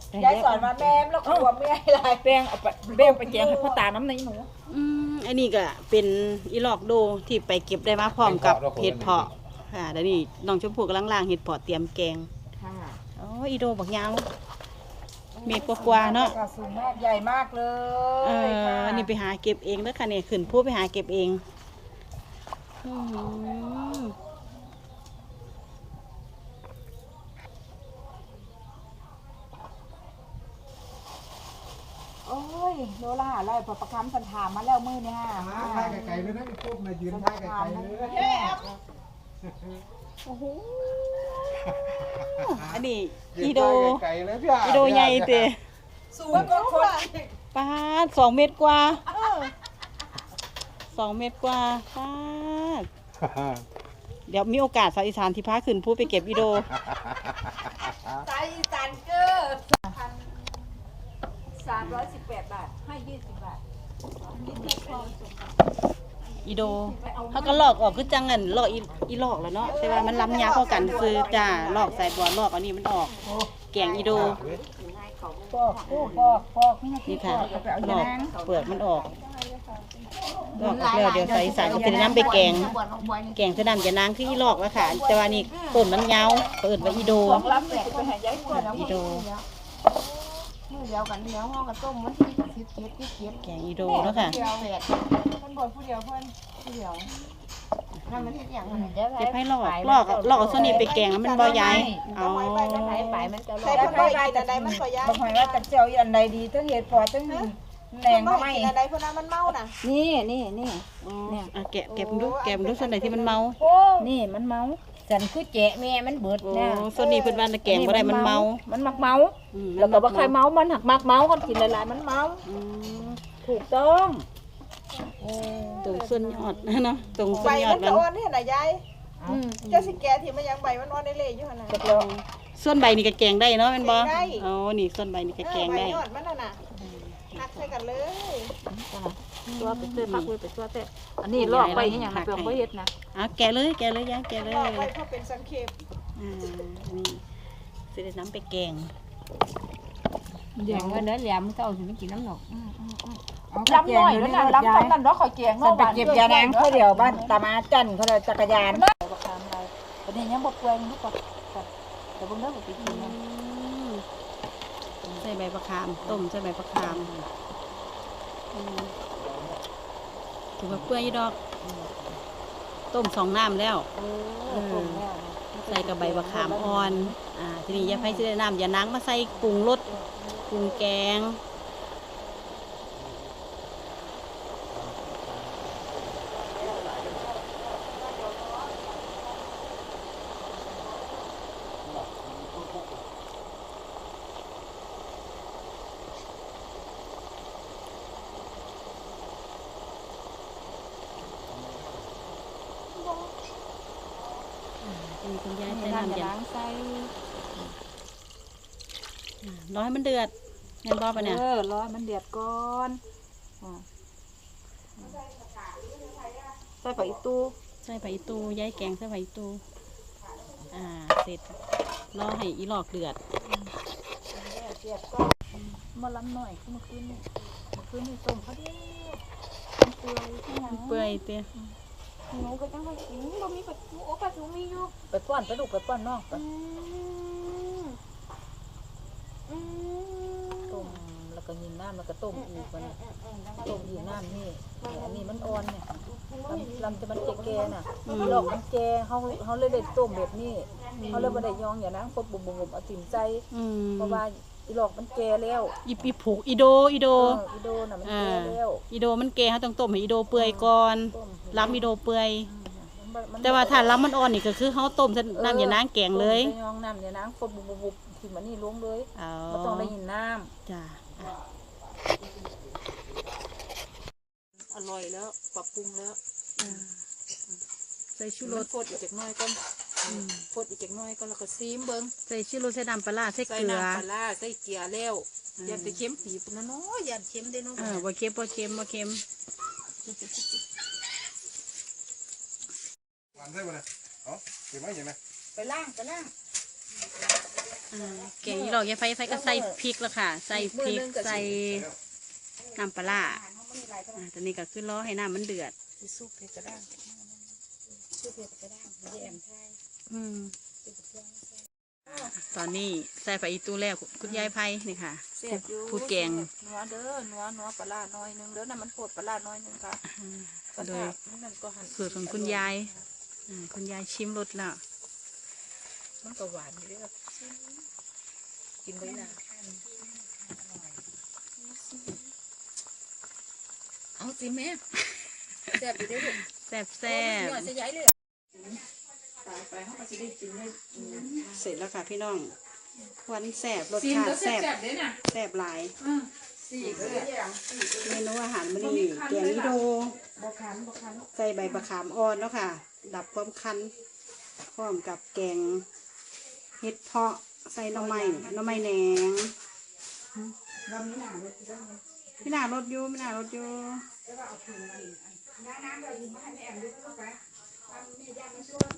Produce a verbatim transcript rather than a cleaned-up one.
ยายสอนมาแม่แล้วกลัวไม่ให้ไรแป้งเอาไปแป้งไปแกงให้พ่อตาน้ำในหนูอืมอันนี้ก็เป็นอีหลอกโดที่ไปเก็บได้มาพร้อมกับเห็ดเพาะค่ะเดี๋ยวนี้น้องชมพู่กำลังล้างเห็ดเพาะเตรียมแกงค่ะอ๋ออีโดบักยาวเมตรกว่าๆเนาะสูงมากใหญ่มากเลยเอออันนี้ไปหาเก็บเองแล้วค่ะเนี่ยขึ้นผู้ไปหาเก็บเองอืมโอ้ยโลละอะไรพอประคำสันถามมาแล้วมือเนี่ยฮะท่ายไกลๆเลยนะพวกมายืนท่ายไกลๆเลยโอ้โหอันนี้อีโดอีโโดใหญ่เตะสูงก็คนป้าสองเมตรกว่าสองเมตรกว่าป้าเดี๋ยวมีโอกาสสาวอีสานที่พาขึ้นพูดไปเก็บอีโดสายอีสานเกอร์พันสามร้อยสิบแปดบาทให้ยี่สิบบาทอีโดเขาก็ลอกออกคือจังเงินลอกอีอีลอกแล้วเนาะแต่ว่ามันล้ำยาเข้ากันคือจ้าลอกใส่บัวลอกอันนี้มันออกแกงอีโดปอกปอกปอกนี่ค่ะลอกเปลือกมันออกลอกแล้วเดี๋ยวใส่สารก็จะน้ำไปแกงแกงจะน้ำจะนางคืออีลอกแล้วค่ะแต่ว่านี่ต้นมันยาวเปิดไว้อีโดอีโดมือเดียวกันเดียวห้องกับต้มมันที่สิบเจ็ดสิบเจ็ดแกงอีโดแล้วค่ะมันบ่นผู้เดียวเพื่อนผู้เดียวนั่นมันที่อย่างนั้นเก็บให้ลอกลอกลอกเอาส่วนนี้ไปแกงแล้วมันบ่ใหญ่เอาใส่ไปมันจะลใส่อยไปไปแต่ใดมันก็ย้ายบอกให้ว่าจะเจียวอันใดดีทั้งเห็ดพอทั้งแหนงไม่อันใดพวกนั้นมันเมาน่ะนี่นี่นี่เนี่ยแกะแกะดูแกะดูส่วนไหนที่มันเมานี่มันเมาฉันคือแจะแม่มันเบิดนะส่วนนี้เพิ่นว่าแกงบ่ได้มันเมามันมักเมาแล้วก็บ่ใครเมามันหักมักเมาคนกินหลายๆมันเมาถูกต้องตรงส่วนยอดเนาะตรงส่วนยอดมันอ่อนนี่น่ะยายเจ้าสิแกที่มันยังใบมันอ่อนได้เลยอยู่หั่นน่ะส่วนใบนี่ก็แกงได้เนาะแม่นบ่อ๋อนี่ส่วนใบนี่ก็แกงได้ยอดมันน่ะน่ะหักใส่กันเลยตัวไปเตื้อพักไว้ไปตัวแต่อันนี้ลอกไปให้อย่างนั้นเปลือกบ่เฮ็ดนะอ่ะแกะเลยแกะเลยยายแกะเลยลอกไปเพราะเป็นสังเขปอ่านี่สิได้น้ำไปแกงอย่างว่าเด้อแหลมเก่าสิไม่กินน้ำหนกลำหน่อยแล้วนะลำตอนนั้นเนาะคอยแกงเนาะไปเก็บยานางเขาเดียวบ้านตามาจันเขาเลยจักรยานประคามอะไรประเดี๋ยวยังบกเกลือลูกก่อนแต่เบิ่งเด้อบ่ไปกินนะใส่ใบมะขามต้มใส่ใบมะขามถือว่าเปื่อยดอกต้มสองน้ำแล้วใส่กับใบมะขามอ่อนอ่าทีนี้ยาไผ่จะได้น้ำยานางมาใส่ปรุงรสปรุงแกงมีคุณยายใส่น้ำยาใส่ร้อยมันเดือดเห็นบ่ปะเนี่ยเออร้อยมันเดือดก่อนใส่ผักอีตูใส่ผักอีตูย้ายแกงใส่ผักอีตูอ่าเสร็จรอให้อีหลอกเดือดมาล้ำหน่อยเมื่อคืนนี่เมื่อคืนนี่ต้มเขาเดียวเปื่อยเปื่อยเตี้ยหนูก็จังไปกินบ่มีปลาทูโอ้ปลาทูมีอยู่ไปป้อนไปลูกไปป้อนน้องไปต้มแล้วก็ยินน้ำแล้วก็ต้มอีกมันต้มอีกน้ำนี่อันนี้มันอ่อนเนี่ยลำลำจะมันแก่ๆน่ะหลอกมันแก่เขาเขาเลยได้ต้มแบบนี้เขาเลยบ่ได้ยองอย่างนั้นครบบุบๆเอาจิ้มใจเพราะว่าอีหลอกมันแก่แล้วอีปีผูกอีโดอีโดอีโดน่ะมันแก่แล้วอีโดมันแก่เขาต้องต้มให้อีโดเปื่อยก่อนล้ำอีโดเปื่อยแต่ว่าถ้าล้ำมันอ่อนนี่ก็คือเขาต้มน้ำอย่านางแกงเลยยองน้ำอย่านางครบบุบๆที่มันนี่ลงเลยไม่ต้องได้ยินน้ำจ้าอร่อยแล้วปรับปรุงแล้วใส่ชูรสโคตรอีกจักน้อยก็โคตรอีกจักน้อยก็แล้วก็ซีมเบิ้งใส่ชูรสใส่น้ำปลาใส่เกลือใส่น้ำปลาใส่เกลือแล้วอย่าไปเค็มปีบนะเนาะอย่าเค็มได้เนาะเออบ่เค็มบ่เค็มบ่เค็มวันได้บ่เนี่ยเอ้าเก็บไว้ยังไงไปล่างไปล่างอ่าแกงอีหลอกยายไฟไฟก็ใส่พริกแล้วค่ะ ใส่พริกใส่น้ำปลาร้าอ่าตอนนี้ก็คือรอให้น้ำมันเดือดซุปเผ็ดกระด้างซุปเผ็ดกระด้างไม่ได้แอมไทยอืมตอนนี้ใส่ไปอีตู้แล้วคุณยายไพ่นี่ค่ะเสียบอยู่ผู้แกงนัวเด้อนัวนัวปลาน้อยนึงเด้อน่ะมันโคตรปลาน้อยนึงค่ะโดยนั่นก็หั่นสูตรของคุณยายอ่าคุณยายชิมรสแล้วมันก็หวานอยู่เด้อกินได้ละเอาสิแม่แซ่บอยู่เด้อลูกแซ่บแซ่บหน่อยจะย้ายเลยตายไปเขาก็จะได้กินได้เสร็จแล้วค่ะพี่น้องควันแซ่บรสชาติแซ่บแซ่บหลายเมนูอาหารมื้อนี้แกงอีโดใส่ใบมะขามอ่อนแล้วค่ะ ดับความคันพร้อมกับแกงเห็ดเพาะใส่หน่อไม้หน่อไม้แหนงพี่นารถอยู่พี่นารถอยู่น้ำเราอยู่บ้านแอมด้วยเข้าไปทำนี่ย่ามาช่วย